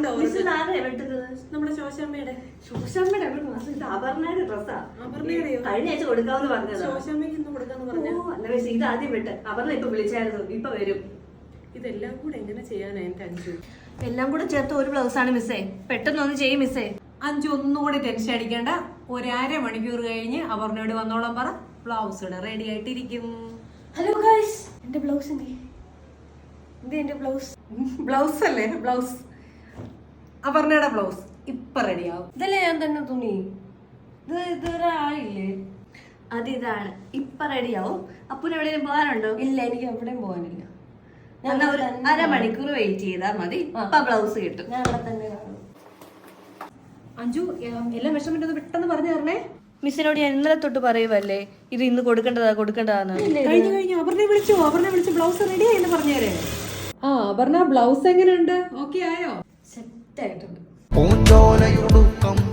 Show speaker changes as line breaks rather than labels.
നമ്മുടെ ശോശാമ്മയുടെ
അപർണയുടെ ഡ്രസ്സാ. കഴിഞ്ഞ ആഴ്ച കൊടുക്കാമെന്ന് പറഞ്ഞത്.
ശോശാമ്മയ്ക്ക് ഇന്ന് കൊടുക്കാന്ന് പറഞ്ഞു.
അല്ല മിസ്, ഇത് ആദ്യം വിട്ട്. അപർണ ഇപ്പൊ വിളിച്ചായിരുന്നു, ഇപ്പൊ വരും.
ഇതെല്ലാം കൂടെ എങ്ങനെ ചെയ്യാനാ എന്റെ അഞ്ചു?
എല്ലാം കൂടെ ചേർത്ത് ഒരു ബ്ലൗസ് ആണ് മിസ്സേ. പെട്ടെന്ന് ഒന്ന് ചെയ്യും മിസ്സേ.
അഞ്ചു ഒന്നുകൂടി ടെൻഷൻ അടിക്കേണ്ട. ഒരു അരമണിക്കൂർ കഴിഞ്ഞ് അപർണയോട് വന്നോളം പറ, ബ്ലൗസ് ഇവിടെ റെഡി ആയിട്ടിരിക്കും.
ഹലോ ഗൈസ്, എന്റെ ബ്ലൗസ് എന്റെ ബ്ലൗസ്.
ബ്ലൗസ് അല്ലേ? ബ്ലൗസ്, അപർണയുടെ ബ്ലൗസ് ഇപ്പൊ റെഡിയാവും.
ഇതല്ലേ ഞാൻ തന്നെ തുണി. ഇത് ഇതുവരെ ആയില്ലേ? ഇതാണ് ഇപ്പൊ റെഡിയാവും. അപ്പൂന് എവിടെയും പോകാനുണ്ടോ?
ഇല്ല, എനിക്ക് എവിടെയും പോകാനില്ല.
എന്നാ ഒരു അരമണിക്കൂർ വെയിറ്റ് ചെയ്താൽ മതി. ഇപ്പൊ ബ്ലൗസ് കിട്ടും.
ഞാൻ ഇവിടെ തന്നെ കാണും.
അഞ്ചു എല്ലാ മെഷർമെന്റ് ഒന്ന് പെട്ടെന്ന് പറഞ്ഞു തരണേ.
മിസ്സിനോട് ഞാൻ ഇന്നലെ തൊട്ട് പറയുവല്ലേ ഇത് ഇന്ന് കൊടുക്കേണ്ടതാന്ന്.
കഴിഞ്ഞു അപർണയെ വിളിച്ചു ബ്ലൗസ് റെഡി ആയെന്ന് പറഞ്ഞേരെ. അപർണ ബ്ലൗസ് എങ്ങനെയുണ്ട്? ഓക്കെ ആയോ?
സെറ്റ് ആയിട്ടുണ്ട്.
പൂഞ്ചോലയുടുക്കം